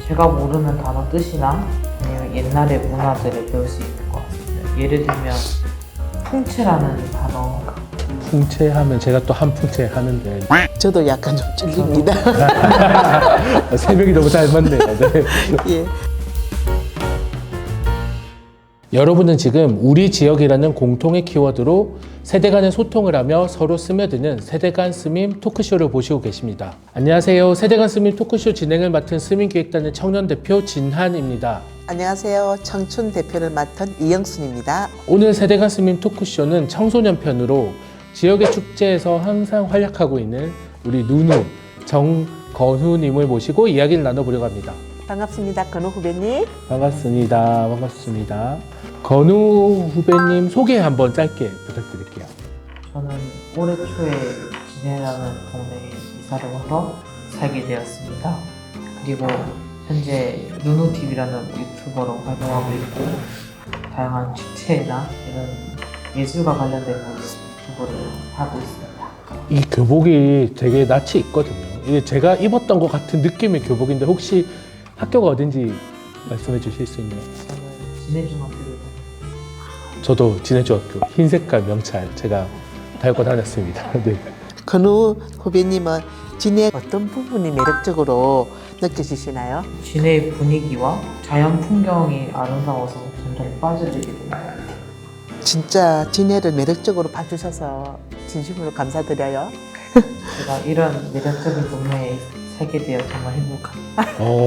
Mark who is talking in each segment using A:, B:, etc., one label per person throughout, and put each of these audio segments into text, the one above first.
A: 제가 모르는 단어 뜻이나 아니면 옛날의 문화들을 배울 수 있는 것 같습니다. 예를 들면 풍채라는 단어.
B: 풍채하면 제가 또 한 풍채 하는데
C: 저도 약간 좀 찔립니다.
B: 세 명이 너무 잘 맞네요. 네.
C: 예.
B: 여러분은 지금 우리 지역이라는 공통의 키워드로 세대 간의 소통을 하며 서로 스며드는 세대 간 스밈 토크쇼를 보시고 계십니다. 안녕하세요. 세대 간 스밈 토크쇼 진행을 맡은 스밈기획단의 청년 대표 진한입니다.
C: 안녕하세요. 청춘 대표를 맡은 이영순입니다.
B: 오늘 세대 간 스밈 토크쇼는 청소년 편으로 지역의 축제에서 항상 활약하고 있는 우리 누누 정건우님을 모시고 이야기를 나눠보려고 합니다.
C: 반갑습니다. 건우 후배님.
B: 반갑습니다. 반갑습니다. 건우 후배님 소개 한번 짧게 부탁드릴게요.
A: 저는 올해 초에 진해라는 동네에 이사를 와서 살게 되었습니다. 그리고 현재 누누TV라는 유튜버로 활동하고 있고 다양한 축제나 이런 예술과 관련된 유튜브를 하고 있습니다.
B: 이 교복이 되게 낯이 있거든요. 이게 제가 입었던 것 같은 느낌의 교복인데 혹시 학교가 어딘지 말씀해 주실 수 있나요?
A: 저는 진해중학교를
B: 저도 진해중학교 흰 색깔 명찰 제가 달고 다녔습니다. 네.
C: 건우 후배님은 진해 어떤 부분이 매력적으로 느껴지시나요?
A: 진해의 분위기와 자연 풍경이 아름다워서 점점 빠져들게 되는 것 같아요.
C: 진짜 진해를 매력적으로 봐주셔서 진심으로 감사드려요.
A: 제가 이런 매력적인 동네에 살게 되어 정말 행복합니다.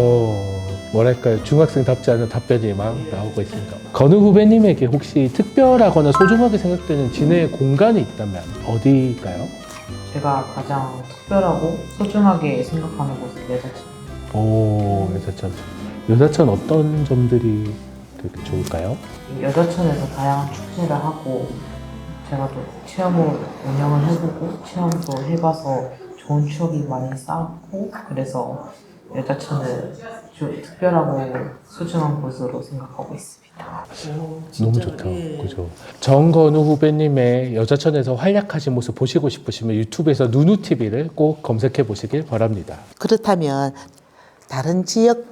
B: 뭐랄까요, 중학생답지 않은 답변이 막 나오고 있습니다. 건우 후배님에게 혹시 특별하거나 소중하게 생각되는 진해의 공간이 있다면 어디일까요?
A: 제가 가장 특별하고 소중하게 생각하는 곳은 여자천입니다.
B: 여자천. 여자천 어떤 점들이 되게 좋을까요?
A: 이 여자천에서 다양한 축제를 하고 제가 또 체험을 운영을 해보고 체험도 해봐서 좋은 추억이 많이 쌓았고 그래서 여자천을 특별하고 소중한 곳으로 생각하고 있습니다.
B: 너무 좋다. 그죠? 정건우 후배님의 여자천에서 활약하신 모습 보시고 싶으시면 유튜브에서 누누TV를 꼭 검색해 보시길 바랍니다.
C: 그렇다면 다른 지역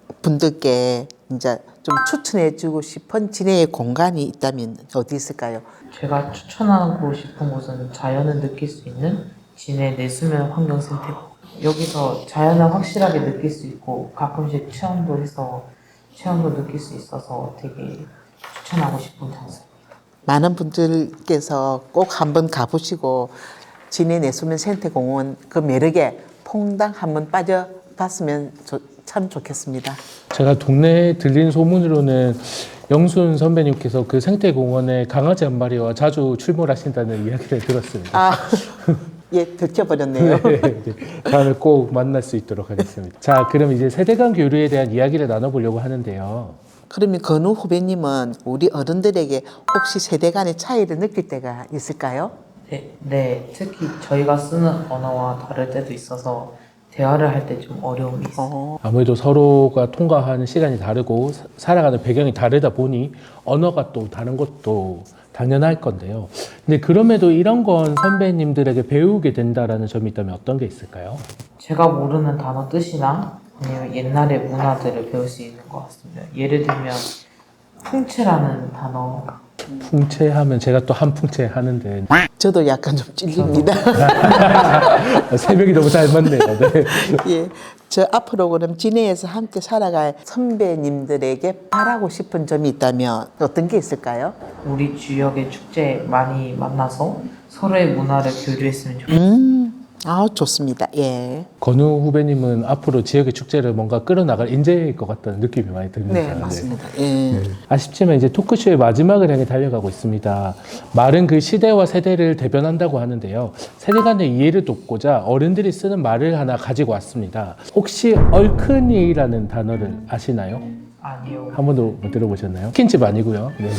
C: 분들께 이제 좀 추천해주고 싶은 진해의 공간이 있다면 어디 있을까요?
A: 제가 추천하고 싶은 곳은 자연을 느낄 수 있는 진해 내수면 환경센터. 여기서 자연을 확실하게 느낄 수 있고 가끔씩 체험도 해서 체험도 느낄 수 있어서 되게 추천하고 싶은 장소입니다.
C: 많은 분들께서 꼭 한번 가보시고 진해 내수면 생태공원 그 매력에 퐁당 한번 빠져봤으면 참 좋겠습니다.
B: 제가 동네에 들린 소문으로는 영순 선배님께서 그 생태공원에 강아지 한 마리와 자주 출몰하신다는 이야기를 들었습니다.
C: 예, 들켜버렸네요.
B: 네, 다음에 꼭 만날 수 있도록 하겠습니다. 자, 그럼 이제 세대 간 교류에 대한 이야기를 나눠보려고 하는데요.
C: 그러면 건우 후배님은 우리 어른들에게 혹시 세대 간의 차이를 느낄 때가 있을까요?
A: 네, 특히 저희가 쓰는 언어와 다를 때도 있어서 대화를 할 때 좀 어려움이 있어요.
B: 아무래도 서로가 통과하는 시간이 다르고 살아가는 배경이 다르다 보니 언어가 또 다른 것도 당연할 건데요. 근데 그럼에도 이런 건 선배님들에게 배우게 된다라는 점이 있다면 어떤 게 있을까요?
A: 제가 모르는 단어 뜻이나 아니면 옛날의 문화들을 배울 수 있는 것 같습니다. 예를 들면 풍채라는 단어.
B: 풍채하면 제가 또 한 풍채 하는데
C: 저도 약간 좀 찔립니다.
B: 세 명이 너무 잘 맞네요. 네.
C: 예, 저 앞으로 그럼 진해에서 함께 살아갈 선배님들에게 바라고 싶은 점이 있다면 어떤 게 있을까요?
A: 우리 지역의 축제에 많이 만나서 서로의 문화를 교류했으면 좋겠습니다.
C: 좋습니다. 예.
B: 건우 후배님은 앞으로 지역의 축제를 뭔가 끌어나갈 인재일 것 같다는 느낌이 많이 듭니다.
C: 네, 맞습니다. 예.
B: 아쉽지만 이제 토크쇼의 마지막을 향해 달려가고 있습니다. 말은 그 시대와 세대를 대변한다고 하는데요. 세대 간의 이해를 돕고자 어른들이 쓰는 말을 하나 가지고 왔습니다. 혹시 얼큰이라는 단어를 아시나요?
A: 아니요.
B: 한 번도 못 들어보셨나요? 치킨집 아니고요. 네.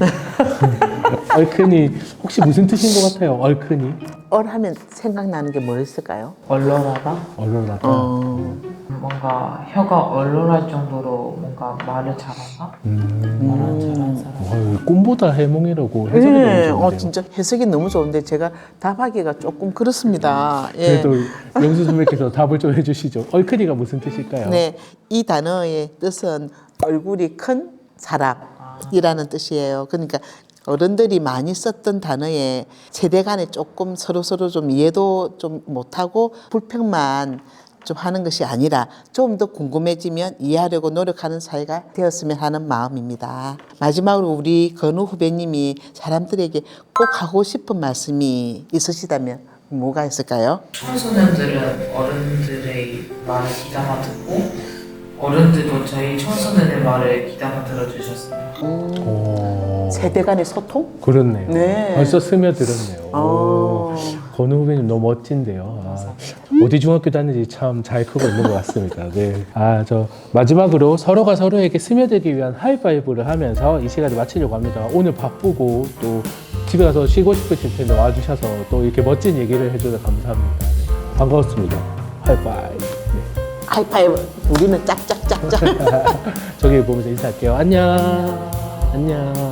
B: 얼큰이 혹시 무슨 뜻인 것 같아요? 얼큰이?
C: 하면 생각나는 게 뭐 있을까요?
A: 얼얼하다?
B: 얼얼하다.
A: 뭔가 혀가 얼얼할 정도로 뭔가 말을 잘한다? 말을 잘하는 사람.
B: 꿈보다 해몽이라고 해석이
C: 네,
B: 너무 좋은데요.
C: 진짜 해석이 너무 좋은데 제가 답하기가 조금 그렇습니다. 예.
B: 그래도 영수 선배께서 답을 좀 해주시죠. 얼큰이가 무슨 뜻일까요?
C: 네, 이 단어의 뜻은 얼굴이 큰 사람이라는 뜻이에요. 그러니까 어른들이 많이 썼던 단어에 세대 간에 조금 서로 좀 이해도 좀 못하고 불평만 좀 하는 것이 아니라 좀 더 궁금해지면 이해하려고 노력하는 사회가 되었으면 하는 마음입니다. 마지막으로 우리 건우 후배님이 사람들에게 꼭 하고 싶은 말씀이 있으시다면 뭐가 있을까요?
A: 청소년들은 어른들의 말을 귀담아 듣고 어른들도 저희 청소년의 말을 귀담아 들어주셨습니다.
C: 세대 간의 소통?
B: 그렇네요.
C: 네.
B: 벌써 스며들었네요. 오, 건우 후배님 너무 멋진데요. 어디 중학교 다니는지 참 잘 크고 있는 것 같습니다. 네. 저 마지막으로 서로가 서로에게 스며들기 위한 하이파이브를 하면서 이 시간을 마치려고 합니다. 오늘 바쁘고 또 집에 가서 쉬고 싶으실 텐데 와주셔서 또 이렇게 멋진 얘기를 해주셔서 감사합니다. 네. 반가웠습니다. 하이파이브. 네.
C: 하이파이브. 우리는 짝짝짝짝.
B: 저기 보면서 인사할게요. 안녕. 안녕.